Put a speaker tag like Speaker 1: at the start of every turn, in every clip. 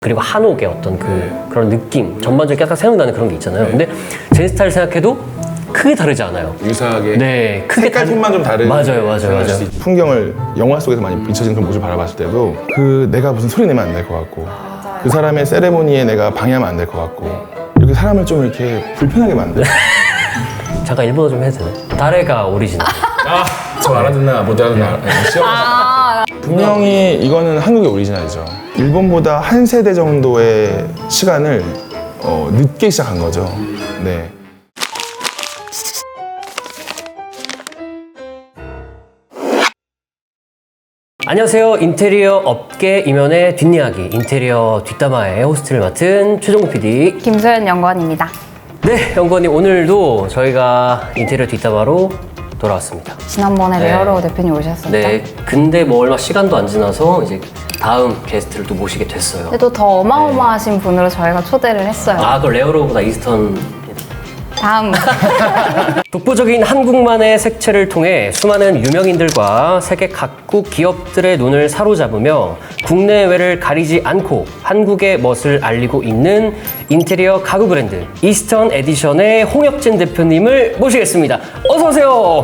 Speaker 1: 그리고 한옥의 어떤 그런 느낌, 전반적으로 약간 생각나는 그런 게 있잖아요. 근데 제 스타일 생각해도 크게 다르지 않아요.
Speaker 2: 유사하게
Speaker 1: 네, 크게
Speaker 2: 색깔 톤만 좀 다른
Speaker 1: 맞아요.
Speaker 2: 풍경을 영화 속에서 많이 비춰지는 그런 모습을 바라봤을 때도 내가 무슨 소리 내면 안 될 것 같고 그 사람의 세레모니에 내가 방해하면 안 될 것 같고 이렇게 사람을 좀 이렇게 불편하게 만들어.
Speaker 1: 잠깐 일본어 좀 해도 되나요? 다레가 오리지널.
Speaker 2: 저 알아듣나 못 알아듣나 분명히 이거는 한국의 오리지널이죠. 일본보다 한 세대 정도의 시간을 늦게 시작한 거죠. 네.
Speaker 1: 안녕하세요. 인테리어 업계 이면의 뒷이야기, 인테리어 뒷담화의 호스트를 맡은 최종국 PD.
Speaker 3: 김소연 연구원입니다.
Speaker 1: 네, 연구원님 오늘도 저희가 인테리어 뒷담화로 돌아왔습니다.
Speaker 3: 지난번에
Speaker 1: 네.
Speaker 3: 레어로우 대표님 오셨었죠?
Speaker 1: 네, 근데 뭐 얼마 시간도 안 지나서 이제 다음 게스트를 또 모시게 됐어요.
Speaker 3: 근데 또 더 어마어마하신 분으로 저희가 초대를 했어요.
Speaker 1: 그 레어로우보다 이스턴.
Speaker 3: 다음
Speaker 1: 독보적인 한국만의 색채를 통해 수많은 유명인들과 세계 각국 기업들의 눈을 사로잡으며 국내외를 가리지 않고 한국의 멋을 알리고 있는 인테리어 가구 브랜드 이스턴 에디션의 홍혁진 대표님을 모시겠습니다. 어서 오세요.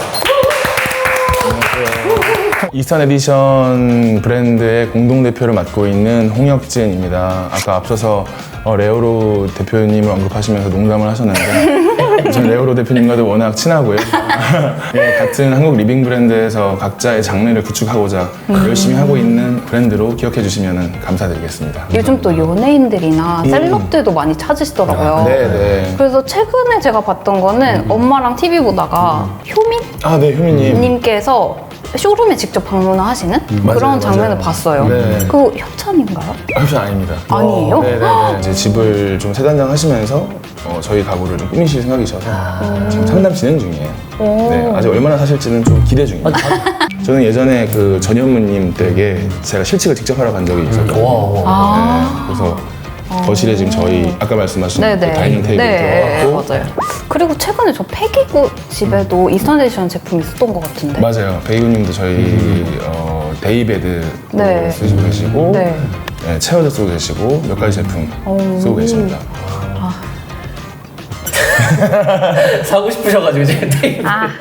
Speaker 2: 이스턴 에디션 브랜드의 공동대표를 맡고 있는 홍혁진입니다. 아까 앞서서 레오로 대표님을 언급하시면서 농담을 하셨는데 저는 레오로 대표님과도 워낙 친하고요. 네, 같은 한국 리빙 브랜드에서 각자의 장르를 구축하고자 열심히 하고 있는 브랜드로 기억해 주시면 감사드리겠습니다.
Speaker 3: 요즘 또 연예인들이나 셀럽들도 많이 찾으시더라고요.
Speaker 2: 네.
Speaker 3: 그래서 최근에 제가 봤던 거는 엄마랑 TV 보다가 효민?
Speaker 2: 네, 효민님.
Speaker 3: 님께서 쇼룸에 직접 방문을 하시는
Speaker 2: 맞아요,
Speaker 3: 그런 장면을
Speaker 2: 맞아요.
Speaker 3: 봤어요.
Speaker 2: 네.
Speaker 3: 그거 협찬인가요?
Speaker 2: 협찬 아닙니다.
Speaker 3: 아니에요?
Speaker 2: 네네네. 이제 집을 좀 세단장 하시면서 저희 가구를 좀 꾸미실 생각이셔서 지금 상담 진행 중이에요. 네, 아직 얼마나 사실지는 좀 기대 중입니다. 저는 예전에 그 전현무님 댁에 제가 실측을 직접 하러 간 적이 있었거든요. 네, 그래서 거실에 지금 저희 아까 말씀하신 그 다이닝 테이블이
Speaker 3: 네,
Speaker 2: 들어갔고
Speaker 3: 맞아요. 그리고 최근에 저 폐기구 집에도 이스턴 에디션 제품이 있었던 것 같은데.
Speaker 2: 맞아요. 베이우님도 저희 데이베드
Speaker 3: 네.
Speaker 2: 쓰시고 계시고
Speaker 3: 네.
Speaker 2: 네, 체어도 쓰고 계시고 몇 가지 제품 쓰고 계십니다.
Speaker 1: 사고 싶으셔가지고 이제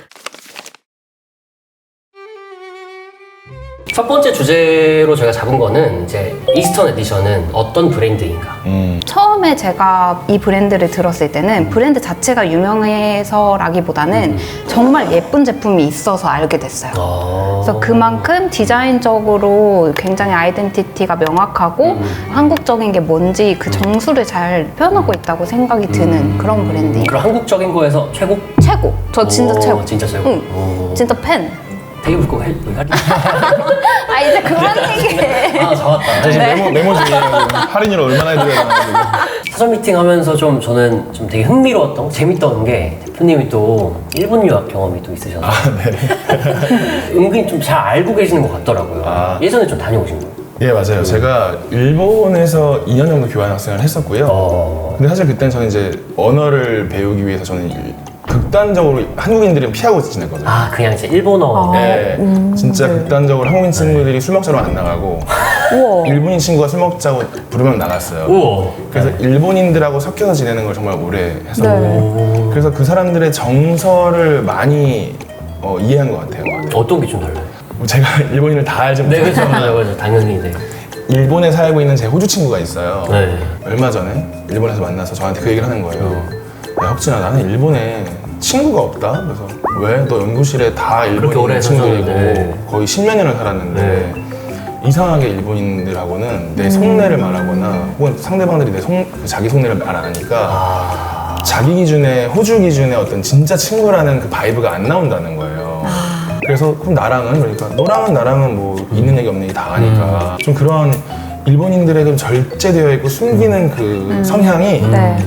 Speaker 1: 첫 번째 주제로 저희가 잡은 거는 이제 이스턴 에디션은 어떤 브랜드인가.
Speaker 3: 처음에 제가 이 브랜드를 들었을 때는 브랜드 자체가 유명해서라기보다는 정말 예쁜 제품이 있어서 알게 됐어요. 그래서 그만큼 디자인적으로 굉장히 아이덴티티가 명확하고 한국적인 게 뭔지 그 정수를 잘 표현하고 있다고 생각이 드는 그런 브랜드예요.
Speaker 1: 그럼 한국적인 거에서 최고?
Speaker 3: 최고! 저 진짜 최고!
Speaker 1: 진짜 최고?
Speaker 3: 응, 진짜 팬!
Speaker 1: 테이블 꼭 해?
Speaker 3: 이제 그만 얘기해.
Speaker 1: 잡았다.
Speaker 2: 지금 메모 중이에요. 할인율 얼마나 해드려야 되나.
Speaker 1: 사전 미팅 하면서 저는 좀 되게 흥미로웠던, 재밌던 게 대표님이 또 일본 유학 경험이 또 있으셔서 은근히 좀 잘 알고 계시는 것 같더라고요. 예전에 좀 다녀오신 거예요?
Speaker 2: 예, 맞아요. 제가 일본에서 2년 정도 교환학생을 했었고요. 근데 사실 그때는 저는 이제 언어를 배우기 위해서 저는 극단적으로 한국인들은 피하고 지냈거든요.
Speaker 1: 그냥 이제 일본어.
Speaker 2: 네, 진짜 극단적으로 한국인 친구들이 술 먹자로 안 나가고
Speaker 3: 우와.
Speaker 2: 일본인 친구가 술 먹자고 부르면 나갔어요.
Speaker 1: 우와.
Speaker 2: 그래서 일본인들하고 섞여서 지내는 걸 정말 오래 했었거든요. 그래서 그 사람들의 정서를 많이 이해한 것 같아요.
Speaker 1: 어떤 게 좀 달라요?
Speaker 2: 제가 일본인을 다 알지
Speaker 1: 네,
Speaker 2: 못해요.
Speaker 1: 그렇죠. 당연히. 네.
Speaker 2: 일본에 살고 있는 제 호주 친구가 있어요.
Speaker 1: 네.
Speaker 2: 얼마 전에 일본에서 만나서 저한테 그 얘기를 하는 거예요. 야, 혁진아, 나는 일본에 친구가 없다. 그래서 왜? 너 연구실에 다
Speaker 1: 그렇게 오래
Speaker 2: 일본인 친구들이고
Speaker 1: 사셨는데.
Speaker 2: 거의 10몇 년을 살았는데 이상하게 일본인들하고는 내 속내를 말하거나 혹은 상대방들이 자기 속내를 말 안 하니까 자기 기준에 호주 기준에 어떤 진짜 친구라는 그 바이브가 안 나온다는 거예요. 그래서 그럼 나랑은 그러니까 너랑은 나랑은 뭐 있는 얘기 없는 얘기 다 하니까 좀 그런 일본인들의 그 절제되어 있고 숨기는 그 성향이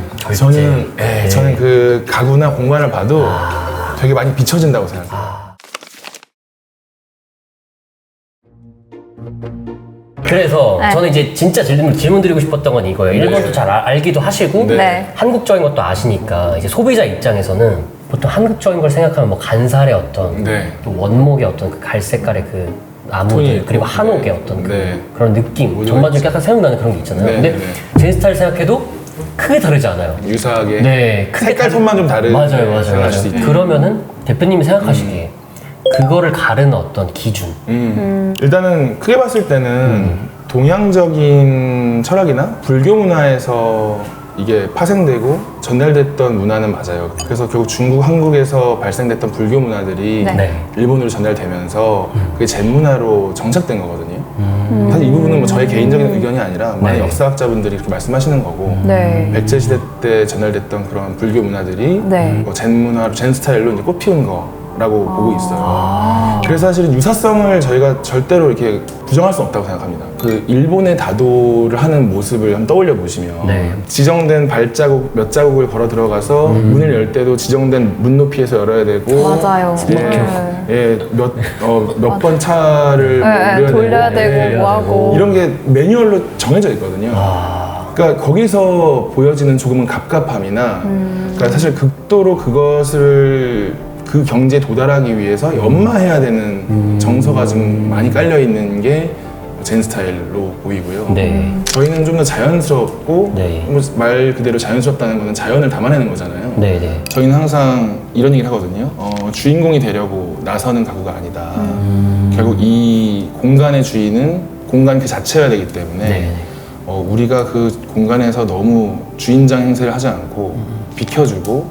Speaker 2: 저는 그 가구나 공간을 봐도 되게 많이 비춰진다고 생각해요.
Speaker 1: 그래서 저는 이제 진짜 질문 드리고 싶었던 건 이거예요. 일본도 잘 알기도 하시고 한국적인 것도 아시니까 이제 소비자 입장에서는 보통 한국적인 걸 생각하면 뭐 간살의 어떤 또 원목의 어떤 그 갈색깔의 그 나무들
Speaker 2: 톤이 있고,
Speaker 1: 그리고 한옥의
Speaker 2: 네.
Speaker 1: 어떤
Speaker 2: 네.
Speaker 1: 그런 느낌
Speaker 2: 모두가
Speaker 1: 전반적으로 약간 생각나는 그런 게 있잖아요.
Speaker 2: 네,
Speaker 1: 근데
Speaker 2: 네.
Speaker 1: 제 스타일 생각해도 크게 다르지 않아요.
Speaker 2: 유사하게
Speaker 1: 네, 크게
Speaker 2: 색깔 톤만 좀 다르게
Speaker 1: 맞아요.
Speaker 2: 생각할 수 있죠.
Speaker 1: 그러면은 대표님이 생각하시기에 그거를 가르는 어떤 기준.
Speaker 2: 일단은 크게 봤을 때는 동양적인 철학이나 불교 문화에서 이게 파생되고 전달됐던 문화는 맞아요. 그래서 결국 중국, 한국에서 발생됐던 불교 문화들이
Speaker 3: 네.
Speaker 1: 네.
Speaker 2: 일본으로 전달되면서 그게 젠 문화로 정착된 거거든요. 사실 이 부분은 뭐 저의 개인적인 의견이 아니라 많은
Speaker 1: 네.
Speaker 2: 역사학자분들이 그렇게 말씀하시는 거고
Speaker 3: 네.
Speaker 2: 백제 시대 때 전달됐던 그런 불교 문화들이
Speaker 3: 네.
Speaker 2: 뭐 젠 문화로 젠 스타일로 이제 꽃피운 거라고 보고 있어요. 그래서 사실은 유사성을 저희가 절대로 이렇게 부정할 수 없다고 생각합니다. 그 일본의 다도를 하는 모습을 한번 떠올려 보시면
Speaker 1: 네.
Speaker 2: 지정된 발자국 몇 자국을 걸어 들어가서 문을 열 때도 지정된 문 높이에서 열어야 되고
Speaker 3: 맞아요.
Speaker 2: 몇 번 차를 뭐
Speaker 3: 네, 돌려야 되고
Speaker 2: 예,
Speaker 3: 뭐 하고.
Speaker 2: 이런 게 매뉴얼로 정해져 있거든요. 그러니까 거기서 보여지는 조금은 갑갑함이나 그러니까 사실 극도로 그것을 그 경지에 도달하기 위해서 연마해야 되는 정서가 좀 많이 깔려 있는 게 젠 스타일로 보이고요.
Speaker 1: 네.
Speaker 2: 저희는 좀 더 자연스럽고
Speaker 1: 네.
Speaker 2: 뭐말 그대로 자연스럽다는 거는 자연을 담아내는 거잖아요.
Speaker 1: 네네.
Speaker 2: 저희는 항상 이런 얘기를 하거든요. 주인공이 되려고 나서는 가구가 아니다. 결국 이 공간의 주인은 공간 그 자체여야 되기 때문에
Speaker 1: 네.
Speaker 2: 우리가 그 공간에서 너무 주인장 행세를 하지 않고 비켜주고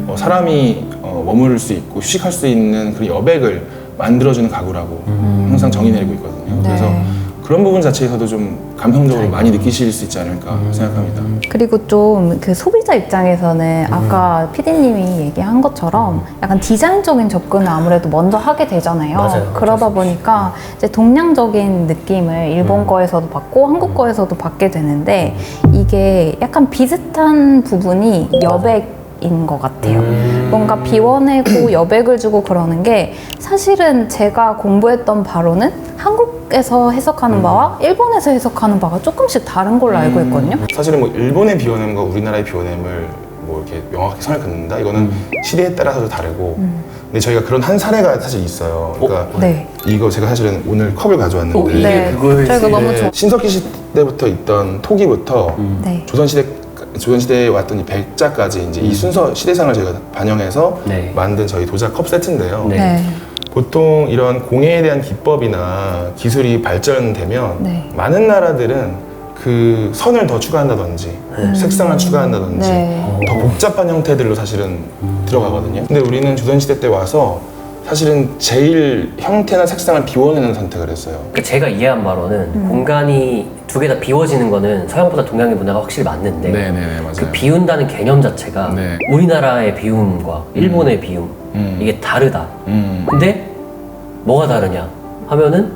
Speaker 2: 사람이 머무를 수 있고 휴식할 수 있는 그런 여백을 만들어주는 가구라고 항상 정의 내리고 있거든요.
Speaker 3: 네.
Speaker 2: 그래서 그런 부분 자체에서도 좀 감성적으로 많이 느끼실 수 있지 않을까 생각합니다.
Speaker 3: 그리고 좀 그 소비자 입장에서는 아까 PD님이 얘기한 것처럼 약간 디자인적인 접근을 아무래도 먼저 하게 되잖아요.
Speaker 1: 맞아요.
Speaker 3: 그러다 보니까 이제 동양적인 느낌을 일본 거에서도 받고 한국 거에서도 받게 되는데 이게 약간 비슷한 부분이 여백인 것 같아요. 뭔가 비워내고 여백을 주고 그러는 게 사실은 제가 공부했던 바로는 한국에서 해석하는 바와 일본에서 해석하는 바가 조금씩 다른 걸로 알고 있거든요.
Speaker 2: 사실은 뭐 일본의 비워냄과 우리나라의 비워냄을 뭐 이렇게 명확히 선을 긋는다? 이거는 시대에 따라서도 다르고 근데 저희가 그런 한 사례가 사실 있어요. 그러니까
Speaker 3: 네.
Speaker 2: 이거 제가 사실은 오늘 컵을 가져왔는데
Speaker 1: 이게
Speaker 3: 네.
Speaker 1: 그거였어요.
Speaker 3: 저희가 너무 좋아.
Speaker 2: 신석기 시대부터 있던 토기부터
Speaker 3: 네.
Speaker 2: 조선시대에 왔던 이 백자까지 이제 이 순서 시대상을 저희가 반영해서
Speaker 1: 네.
Speaker 2: 만든 저희 도자 컵 세트인데요.
Speaker 1: 네.
Speaker 3: 네.
Speaker 2: 보통 이런 공예에 대한 기법이나 기술이 발전되면
Speaker 3: 네.
Speaker 2: 많은 나라들은 그 선을 더 추가한다든지 색상을 추가한다든지
Speaker 3: 네.
Speaker 2: 더 복잡한 형태들로 사실은 들어가거든요. 근데 우리는 조선시대 때 와서 사실은 제일 형태나 색상을 비워내는 선택을 했어요.
Speaker 1: 그 제가 이해한 바로는 공간이 두 개 다 비워지는 거는 서양보다 동양의 문화가 확실히 맞는데
Speaker 2: 네네네 맞아요.
Speaker 1: 그 비운다는 개념 자체가
Speaker 2: 네.
Speaker 1: 우리나라의 비움과 일본의 비움 이게 다르다. 근데 뭐가 다르냐 하면은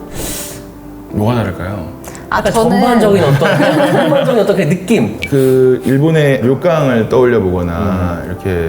Speaker 2: 뭐가 다를까요?
Speaker 1: 약간 전반적인 어떤 그 느낌.
Speaker 2: 그 일본의 료강을 떠올려 보거나 이렇게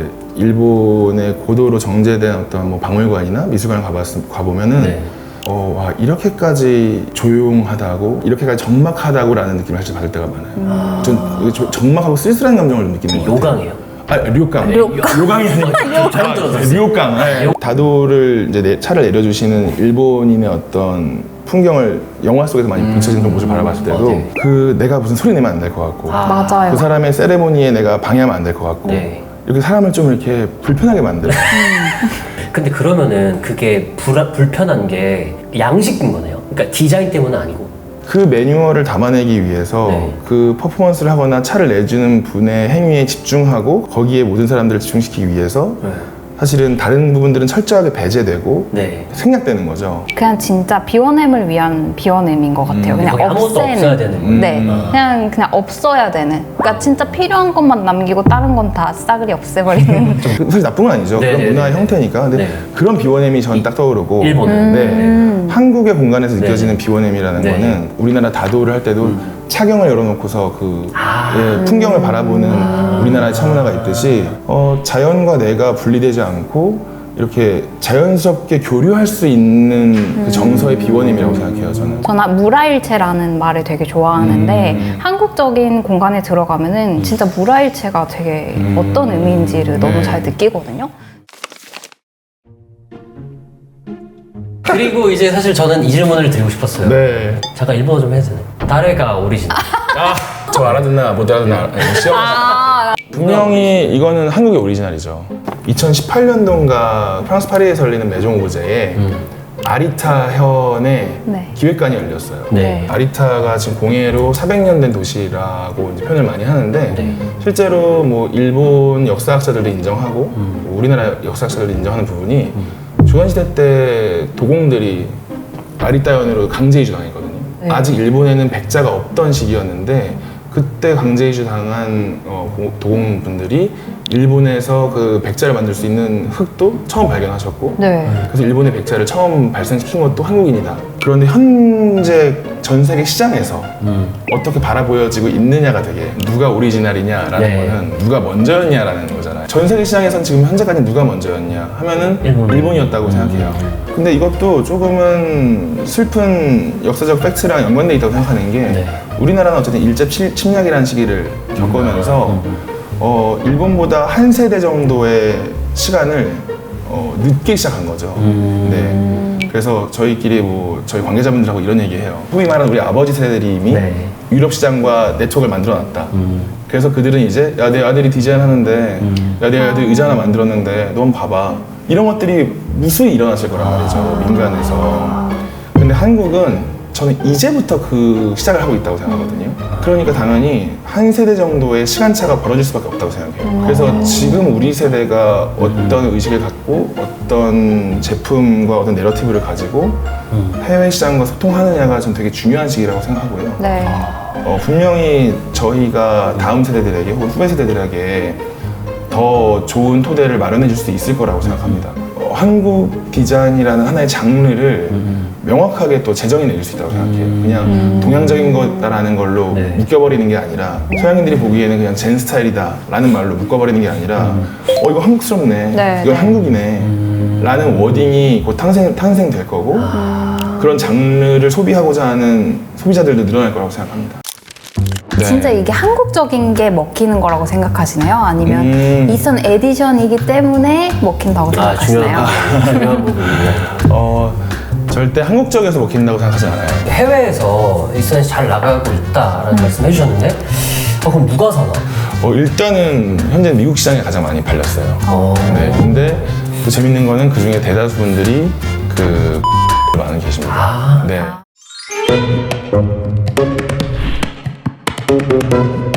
Speaker 2: 일본의 고도로 정제된 어떤 뭐 박물관이나 미술관을 가보면은
Speaker 1: 네.
Speaker 2: 와 이렇게까지 조용하다고 이렇게까지 적막하다고라는 느낌을 사실 받을 때가 많아요. 전 적막하고 쓸쓸한 감정을 좀 느끼는 것 같아요.
Speaker 1: 요강이에요.
Speaker 2: 료강. 료강이 아니고
Speaker 1: 잘못 들었어요.
Speaker 2: 료강. 네. 다도를 이제 차를 내려주시는 일본인의 어떤 풍경을 영화 속에서 많이 비춰진 그런 모습을 바라봤을 때도
Speaker 1: 네.
Speaker 2: 그 내가 무슨 소리 내면 안 될 것 같고
Speaker 3: 맞아요.
Speaker 2: 그 사람의 세레모니에 내가 방해하면 안 될 것 같고
Speaker 1: 네.
Speaker 2: 이렇게 사람을 좀 이렇게 불편하게 만들어.
Speaker 1: 근데 그러면은 그게 불편한 게 양식인 거네요. 그러니까 디자인 때문은 아니고.
Speaker 2: 그 매뉴얼을 담아내기 위해서
Speaker 1: 네.
Speaker 2: 그 퍼포먼스를 하거나 차를 내주는 분의 행위에 집중하고 거기에 모든 사람들을 집중시키기 위해서 사실은 다른 부분들은 철저하게 배제되고
Speaker 1: 네.
Speaker 2: 생략되는 거죠.
Speaker 3: 그냥 진짜 비워냄을 위한 비워냄인 것 같아요. 그냥
Speaker 1: 거의 아무것도 없어야 되는 거예요.
Speaker 3: 네, 그냥 없어야 되는. 그러니까 진짜 필요한 것만 남기고 다른 건 다 싸그리 없애버리는.
Speaker 2: 사실 나쁜 건 아니죠.
Speaker 1: 네,
Speaker 2: 그런
Speaker 1: 네,
Speaker 2: 문화의
Speaker 1: 네.
Speaker 2: 형태니까. 근데
Speaker 1: 네.
Speaker 2: 그런 비워냄이 전 딱 떠오르고.
Speaker 1: 일본은.
Speaker 2: 네. 한국의 공간에서 느껴지는 비워냄이라는
Speaker 1: 네.
Speaker 2: 거는 우리나라 다도를 할 때도 차경을 열어놓고서 그 풍경을 바라보는 우리나라의 차문화가 있듯이 자연과 내가 분리되지 않고 이렇게 자연스럽게 교류할 수 있는 그 정서의 비워냄이라고 생각해요, 저는.
Speaker 3: 저는 무라일체라는 말을 되게 좋아하는데 한국적인 공간에 들어가면은 진짜 무라일체가 되게 어떤 의미인지를 너무 잘 느끼거든요.
Speaker 1: 그리고 이제 사실 저는 이 질문을 드리고 싶었어요.
Speaker 2: 네.
Speaker 1: 잠깐 일본어 좀 해도 되나요? 다레가 오리지널.
Speaker 2: 저 알아듣나 못 알아듣나 시험. 분명히 이거는 한국의 오리지널이죠. 2018년도인가 프랑스 파리에서 열리는 메종 오브제에 아리타 현의
Speaker 3: 네.
Speaker 2: 기획관이 열렸어요.
Speaker 1: 네.
Speaker 2: 아리타가 지금 공예로 400년 된 도시라고 이제 표현을 많이 하는데
Speaker 1: 네.
Speaker 2: 실제로 뭐 일본 역사학자들도 인정하고 우리나라 역사학자들도 인정하는 부분이 조선시대 때 도공들이 아리타현으로 강제 이주 당했거든요.
Speaker 3: 네.
Speaker 2: 아직 일본에는 백자가 없던 시기였는데 그때 강제 이주 당한 도공분들이 일본에서 그 백자를 만들 수 있는 흙도 처음 발견하셨고
Speaker 3: 네.
Speaker 2: 그래서 일본의 백자를 처음 발생시킨 것도 한국인이다. 그런데 현재 전 세계 시장에서 어떻게 바라보여지고 있느냐가 되게 누가 오리지널이냐라는
Speaker 1: 네.
Speaker 2: 거는 누가 먼저였냐라는 거잖아요. 전 세계 시장에선 지금 현재까지 누가 먼저였냐 하면은 일본이었다고 생각해요. 근데 이것도 조금은 슬픈 역사적 팩트랑 연관돼 있다고 생각하는 게
Speaker 1: 네.
Speaker 2: 우리나라는 어쨌든 일제 침략이라는 시기를 겪으면서 일본보다 한 세대 정도의 시간을 늦게 시작한 거죠. 네. 그래서 저희끼리 뭐 저희 관계자분들하고 이런 얘기해요. 소위 말하는 우리 아버지 세대들이 이미
Speaker 1: 네.
Speaker 2: 유럽 시장과 네트워크를 만들어놨다. 그래서 그들은 이제 야 내 아들이 디자인 하는데 야 내 아들이 의자 하나 만들었는데 너 한번 봐봐. 이런 것들이 무수히 일어났을 거란 말이죠. 민간에서. 근데 한국은 저는 이제부터 그 시작을 하고 있다고 생각하거든요. 그러니까 당연히 한 세대 정도의 시간차가 벌어질 수밖에 없다고 생각해요. 그래서 지금 우리 세대가 어떤 의식을 갖고 어떤 제품과 어떤 내러티브를 가지고 해외 시장과 소통하느냐가 전 되게 중요한 시기라고 생각하고요.
Speaker 3: 네.
Speaker 2: 분명히 저희가 다음 세대들에게 혹은 후배 세대들에게 더 좋은 토대를 마련해 줄 수 있을 거라고 생각합니다. 한국 디자인이라는 하나의 장르를 명확하게 또 제정해 낼 수 있다고 생각해요. 그냥 동양적인 거다라는 걸로
Speaker 1: 네.
Speaker 2: 묶여버리는 게 아니라 서양인들이 보기에는 그냥 젠 스타일이다 라는 말로 묶어버리는 게 아니라 이거 한국스럽네,
Speaker 3: 네,
Speaker 2: 이건
Speaker 3: 네.
Speaker 2: 한국이네 라는 워딩이 곧 탄생될 거고 그런 장르를 소비하고자 하는 소비자들도 늘어날 거라고 생각합니다. 네.
Speaker 3: 진짜 이게 한국적인 게 먹히는 거라고 생각하시나요? 아니면 이선 에디션이기 때문에 먹힌다고 생각하시나요?
Speaker 1: 중요한 부분이네요.
Speaker 2: 절대 한국적에서 먹힌다고 생각하지 않아요.
Speaker 1: 해외에서 일선에서 잘 나가고 있다라는 말씀 해주셨는데 그럼 누가 사나?
Speaker 2: 일단은 현재 미국 시장에 가장 많이 팔렸어요. 네, 근데 또 재밌는 거는 그 중에 대다수 분들이 그 많은 계십니다. 네.